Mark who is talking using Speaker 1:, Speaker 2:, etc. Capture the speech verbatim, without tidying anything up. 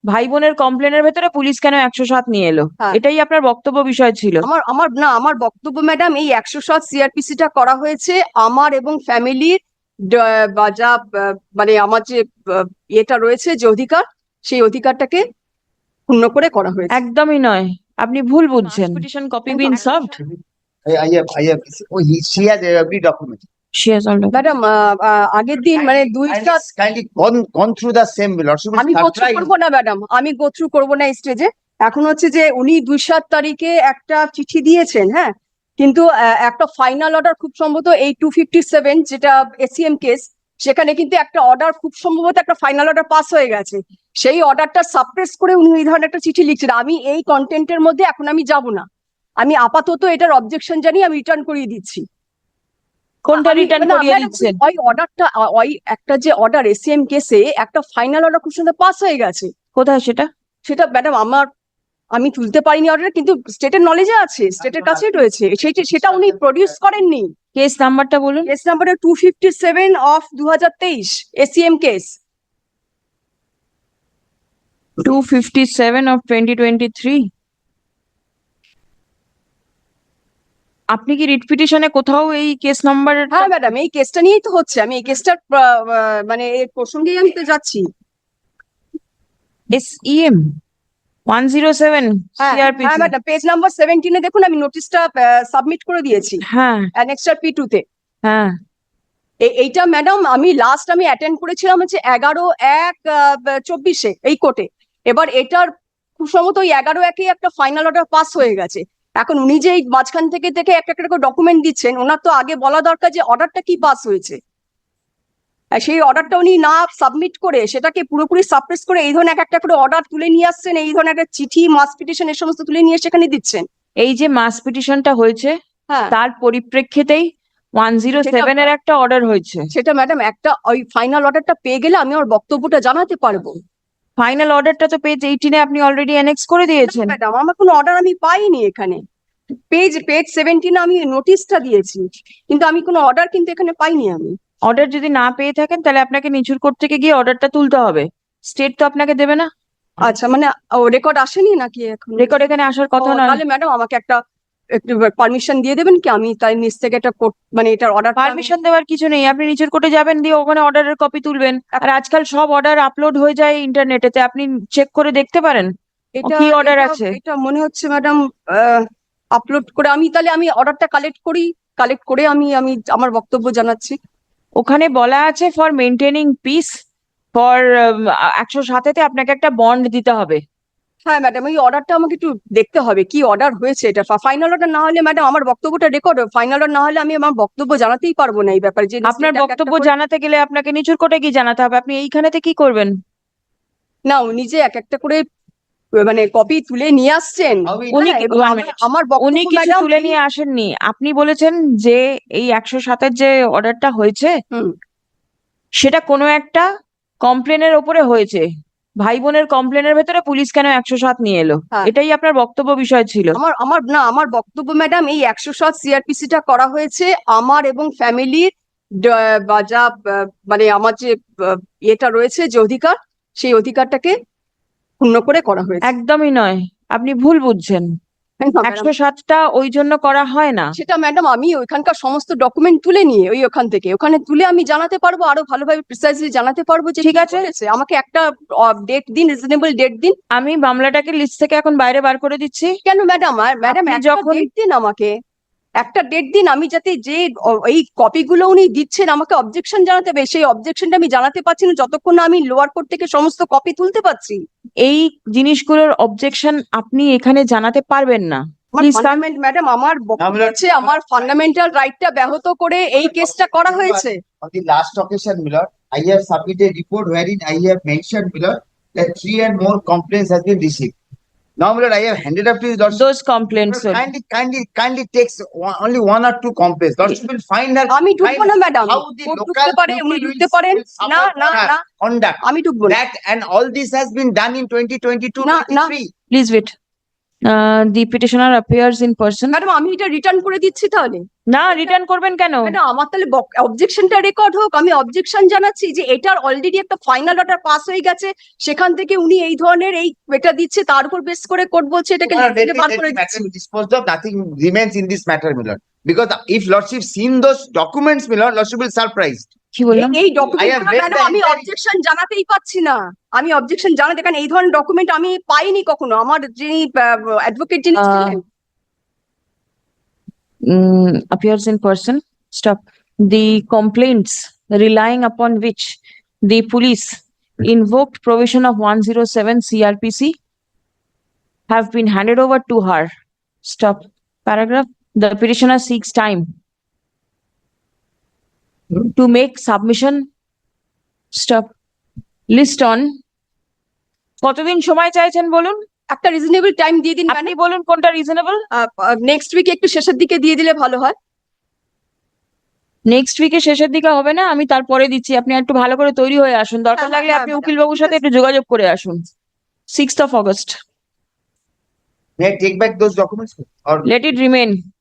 Speaker 1: ভাই বোনের কমপ্লেনের ভেতরে পুলিশ কেন একশো সাত নিয়ে এলো?
Speaker 2: হ্যাঁ।
Speaker 1: এটাই আপনার বক্তব্য বিষয় ছিল।
Speaker 2: আমার আমার না আমার বক্তব্য ম্যাডাম, এই একশো সাত সিআরপিসি টা করা হয়েছে আমার এবং ফ্যামিলির বা যা আহ, মানে আমার যে আহ, ইয়েটা রয়েছে, যে অধিকার, সেই অধিকারটাকে পূর্ণ করে করা হয়েছে।
Speaker 1: একদমই নয়, আপনি ভুল বুঝছেন। Petition copy been served.
Speaker 3: I, I have, I have, oh, he, she has every document.
Speaker 1: She has already.
Speaker 2: Madam, আগের দিন মানে দুই
Speaker 3: Kindly,
Speaker 2: সাত
Speaker 3: kindly gone, gone through the same, Lord. She will
Speaker 2: আমি গোত্র
Speaker 3: surprise.
Speaker 2: করবো না ম্যাডাম, আমি গোত্র করবো না স্টেজে। এখন হচ্ছে যে উনি দুই সাত তারিখে একটা চিঠি দিয়েছেন, হ্যাঁ, কিন্তু আহ, একটা ফাইনাল অর্ডার খুব সম্ভবত এই টু ফিফটি সেভেন যেটা এসিএম কেস, সেখানে কিন্তু একটা অর্ডার খুব সম্ভবত একটা ফাইনাল অর্ডার পাস হয়ে গেছে। সেই অর্ডারটা সাপ্রেস করে উনি এই ধরনের একটা চিঠি লিখছেন। আমি এই কন্টেন্টের মধ্যে এখন আমি যাব না, আমি আপাতত এটার অবজেকশন জানিয়ে আমি রিটার্ন করিয়ে দিচ্ছি।
Speaker 1: কোনটা
Speaker 2: আমি-
Speaker 1: রিটার্ন
Speaker 2: না,
Speaker 1: করিয়ে
Speaker 2: madam,
Speaker 1: দিচ্ছেন?
Speaker 2: ওই অর্ডারটা, ওই একটা যে অর্ডার এসিএম কেসে একটা ফাইনাল অর্ডার খুব সুন্দর পাস হয়ে গেছে।
Speaker 1: কোথায় সেটা?
Speaker 2: সেটা ম্যাডাম আমার, আমি তুলতে পারিনি অর্ডার, কিন্তু স্টেটের নলেজে আছে, স্টেটের কাছেই রয়েছে। সেটা সেটা উনি প্রডিউস করেননি।
Speaker 1: কেস নাম্বারটা বলুন।
Speaker 2: Case number two fifty seven of দু হাজার তেইশ ACM case.
Speaker 1: Two fifty seven of twenty twenty three. আপনি কি রিট পিটিশনে কোথাও এই কেস নাম্বার?
Speaker 2: হ্যাঁ ম্যাডাম, এই কেসটা নিয়েই তো হচ্ছে, আমি এই কেসটার মানে এর প্রসঙ্গেই আমি তো যাচ্ছি।
Speaker 1: S E M one zero seven
Speaker 2: হ্যাঁ
Speaker 1: সিআরপিসি।
Speaker 2: হ্যাঁ ম্যাডাম, পেজ নাম্বার সেভেন্টিনে দেখুন, আমি নোটিশটা সাবমিট করে দিয়েছি
Speaker 1: হ্যাঁ
Speaker 2: অ্যানেক্সার পি টু তে।
Speaker 1: হ্যাঁ।
Speaker 2: এ- এইটা ম্যাডাম আমি লাস্ট আমি অ্যাটেন্ড করেছিলাম হচ্ছে এগারো এক চব্বিশে এই কোর্টে। এবার এটার খুব সম্ভবত ওই এগারো একে একটা ফাইনাল অর্ডার পাস হয়ে গেছে। এখন উনি যে এই মাঝখান থেকে থেকে একটা একটা করে ডকুমেন্ট দিচ্ছেন, ওনার তো আগে বলা দরকার যে অর্ডারটা কি পাস হয়েছে। আর সেই অর্ডারটা উনি না সাবমিট করে সেটাকে পুরোপুরি সাপ্রেস করে এই ধরনের এক একটা করে অর্ডার তুলে নিয়ে আসছেন, এই ধরনের একটা চিঠি, মাস পিটিশন, এই সমস্ত তুলে নিয়ে সেখানে দিচ্ছেন।
Speaker 1: এই যে মাস পিটিশনটা হয়েছে
Speaker 2: হ্যাঁ,
Speaker 1: তার পরিপ্রেক্ষিতেই ওয়ান জিরো সেভেন এর একটা অর্ডার হয়েছে।
Speaker 2: সেটা ম্যাডাম একটা ওই ফাইনাল অর্ডারটা পেয়ে গেলে আমি আমার বক্তব্যটা জানাতে পারবো।
Speaker 1: ফাইনাল অর্ডারটা তো পেজ এইটিনে আপনি অলরেডি অ্যানেক্স করে দিয়েছেন।
Speaker 2: ম্যাডাম আমার কোনো অর্ডার আমি পাইনি এখানে। পেজ পেজ সেভেন্টিনে আমি নোটিশটা দিয়েছি, কিন্তু আমি কোনো অর্ডার কিন্তু এখানে পাইনি আমি।
Speaker 1: অর্ডার যদি না পেয়ে থাকেন তাহলে আপনাকে নিচুর কোর্ট থেকে গিয়ে অর্ডারটা তুলতে হবে। স্টেট তো আপনাকে দেবে না।
Speaker 2: আচ্ছা, মানে রেকর্ড আসেনি নাকি এখন?
Speaker 1: রেকর্ড এখানে আসার কথা
Speaker 2: ও,
Speaker 1: নয়।
Speaker 2: তাহলে ম্যাডাম আমাকে একটা একটু পারমিশন দিয়ে দেবেন কি, আমি তাই নিচ থেকে একটা কোর্ট মানে এটার অর্ডার।
Speaker 1: পারমিশন দেওয়ার কিছু নেই, আপনি নিচের কোর্টে যাবেন, দিয়ে ওখানে অর্ডারের কপি তুলবেন। আর আজকাল সব অর্ডার আপলোড হয়ে যায় ইন্টারনেটেতে, আপনি চেক করে দেখতে পারেন
Speaker 2: এটা
Speaker 1: কি অর্ডার
Speaker 2: এটা-
Speaker 1: আছে।
Speaker 2: এটা মনে হচ্ছে ম্যাডাম আপলোড করে, আমি তাহলে আমি অর্ডারটা কালেক্ট করি, কালেক্ট করে আমি আমি আমার বক্তব্য জানাচ্ছি।
Speaker 1: ওখানে বলা আছে ফর মেনটেনিং পিস ফর একশো সাতেতে আপনাকে একটা বন্ড দিতে হবে।
Speaker 2: হ্যাঁ ম্যাডাম, এই অর্ডারটা আমাকে একটু দেখতে হবে কি অর্ডার হয়েছে। এটা ফাইনাল অর্ডার না হলে ম্যাডাম আমার বক্তব্যটা রেকর্ড, ফাইনাল অর্ডার না হলে আমি আমার বক্তব্য জানাতেই পারবো না এই ব্যাপারে। যে
Speaker 1: আপনার
Speaker 2: state এক একটা
Speaker 1: বক্তব্য
Speaker 2: করে-
Speaker 1: জানাতে গেলে আপনাকে নিচুর কোর্টে গিয়ে জানাতে হবে। আপনি এইখানেতে কি করবেন?
Speaker 2: না, উনি যে এক একটা করে মানে কপি তুলে নিয়ে আসছেন,
Speaker 1: উনি
Speaker 2: হ্যাঁ,
Speaker 1: কি-
Speaker 2: এবং
Speaker 1: one
Speaker 2: আমার-
Speaker 1: minute.
Speaker 2: আমার
Speaker 1: উনি
Speaker 2: বক্তব্য
Speaker 1: কিছু
Speaker 2: ম্যাডাম
Speaker 1: তুলে নিয়ে আসেননি। আপনি বলেছেন যে এই একশো সাতের যে অর্ডারটা হয়েছে
Speaker 2: হুম
Speaker 1: সেটা কোনো একটা কমপ্লেনের ওপরে হয়েছে। ভাই বোনের কমপ্লেনের ভেতরে পুলিশ কেন একশো সাত নিয়ে এলো?
Speaker 2: হ্যাঁ।
Speaker 1: এটাই আপনার বক্তব্য বিষয় ছিল।
Speaker 2: আমার আমার না আমার বক্তব্য ম্যাডাম, এই একশো সাত সিআরপিসি টা করা হয়েছে আমার এবং ফ্যামিলির বা যা আহ, মানে আমার যে আহ, ইয়েটা রয়েছে, যে অধিকার, সেই অধিকারটাকে পূর্ণ করে করা হয়েছে।
Speaker 1: একদমই নয়, আপনি ভুল বুঝছেন।
Speaker 2: না, madam,
Speaker 1: একশো সাতটা ওই জন্য করা হয় না।
Speaker 2: সেটা ম্যাডাম আমি ওইখানকার সমস্ত ডকুমেন্ট তুলে নিয়ে ওই ওখান থেকে ওখানে তুলে আমি জানাতে পারবো, আরো ভালোভাবে প্রিসাইজলি জানাতে পারবো যে
Speaker 1: ঠিক
Speaker 2: কি
Speaker 1: আছে।
Speaker 2: হয়েছে। আমাকে একটা ডেট দিন, রিজনেবল ডেট দিন।
Speaker 1: আমি মামলাটাকে লিস্ট থেকে এখন বাইরে বার করে দিচ্ছি।
Speaker 2: কেন ম্যাডাম? আর ম্যাডাম
Speaker 1: আপনি
Speaker 2: একটা
Speaker 1: যখন-
Speaker 2: ডেট দিন আমাকে, একটা ডেট দিন, আমি যাতে যে অ- এই কপিগুলো উনি দিচ্ছেন আমাকে অবজেকশন জানাতে হবে, সেই অবজেকশনটা আমি জানাতে পারছি না যতক্ষণ না আমি লোয়ার কোর্ট থেকে সমস্ত কপি তুলতে পারছি।
Speaker 1: এই জিনিসগুলোর অবজেকশন আপনি এখানে জানাতে পারবেন না।
Speaker 2: আমার
Speaker 1: Please come.
Speaker 2: ফান্ডামেন্ট ম্যাডাম, আমার বক্তব্য
Speaker 3: আমরা-
Speaker 2: হচ্ছে আমার ফান্ডামেন্টাল রাইটটা ব্যাহত করে এই কেসটা করা হয়েছে।
Speaker 3: On the last occasion, my lord, I have submitted report wherein I have mentioned, my lord, that three and more complaints has been received. Now, my lord, I have handed up to you, lordship.
Speaker 1: Those complaints
Speaker 3: Lord, kindly, kindly, kindly takes one- only one or two complaints. Lordship will find her.
Speaker 2: আমি ঢুকবো না madam,
Speaker 3: How the
Speaker 2: court
Speaker 3: local
Speaker 2: ঢুকতে পারে, উনি
Speaker 3: people
Speaker 2: ঢুকতে
Speaker 3: will-
Speaker 2: পারেন
Speaker 3: will suffer
Speaker 2: না না
Speaker 3: for her
Speaker 2: না
Speaker 3: conduct.
Speaker 2: আমি ঢুকবো না।
Speaker 3: That and all this has been done in twenty twenty-two,
Speaker 2: না, না।
Speaker 3: twenty-three.
Speaker 1: Please wait. Uh, the petitioner appears in person.
Speaker 2: Madam আমি এটা রিটার্ন করে দিচ্ছি তাহলে।
Speaker 1: না, রিটার্ন করবেন কেন?
Speaker 2: ম্যাডাম আমার তাহলে অবজেকশনটা রেকর্ড হোক, আমি অবজেকশন জানাচ্ছি যে এটার অলরেডি একটা ফাইনাল অর্ডার পাস হয়ে গেছে, সেখান থেকে উনি এই ধরনের এই এটা দিচ্ছে, তার উপর বেস করে কোর্ট বলছে এটাকে
Speaker 3: Well, let
Speaker 2: লিখিত
Speaker 3: the-
Speaker 2: বার
Speaker 3: let
Speaker 2: করে
Speaker 3: the
Speaker 2: দিচ্ছে।
Speaker 3: matter be disposed of. Nothing remains in this matter, my lord. Because if lordship seen those documents, my lord, lordship will surprised.
Speaker 1: কি বললাম?
Speaker 2: এই
Speaker 3: I have
Speaker 2: document
Speaker 3: read
Speaker 2: madam
Speaker 3: the
Speaker 2: আমি
Speaker 3: entire-
Speaker 2: objection জানাতেই পাচ্ছি না, আমি objection জানাতে, কারণ এই ধরনের ডকুমেন্ট আমি পাইনি কখনো। আমার যিনি অ্যাডভোকেট যিনি
Speaker 1: আহ,
Speaker 2: ছিলেন,
Speaker 1: Mm, appears in person. Stop. The complaints relying upon which the police invoked provision of one oh seven C R P C have been handed over to her. Stop. Paragraph. The petitioner seeks time to make submission. Stop. List on. কতদিন সময় চাইছেন বলুন?
Speaker 2: একটা reasonable time দিয়ে দিন
Speaker 1: আপনি বলুন কোনটা রিজনেবল?
Speaker 2: নেক্সট উইকে একটু শেষের দিকে দিয়ে দিলে ভালো হয়।
Speaker 1: নেক্সট উইকে শেষের দিকে হবে না, আমি তারপরে দিচ্ছি। আপনি একটু ভালো করে তৈরি হয়ে আসুন, দরকার
Speaker 2: হ্যাঁ,
Speaker 1: লাগলে
Speaker 2: হ্যাঁ,
Speaker 1: আপনি
Speaker 2: madam,
Speaker 1: উকিল বাবুর
Speaker 2: ঠিক
Speaker 1: সাথে
Speaker 2: আছে।
Speaker 1: একটু যোগাযোগ করে আসুন। Sixth of August.
Speaker 3: May I take back those documents? Or
Speaker 1: Let it remain.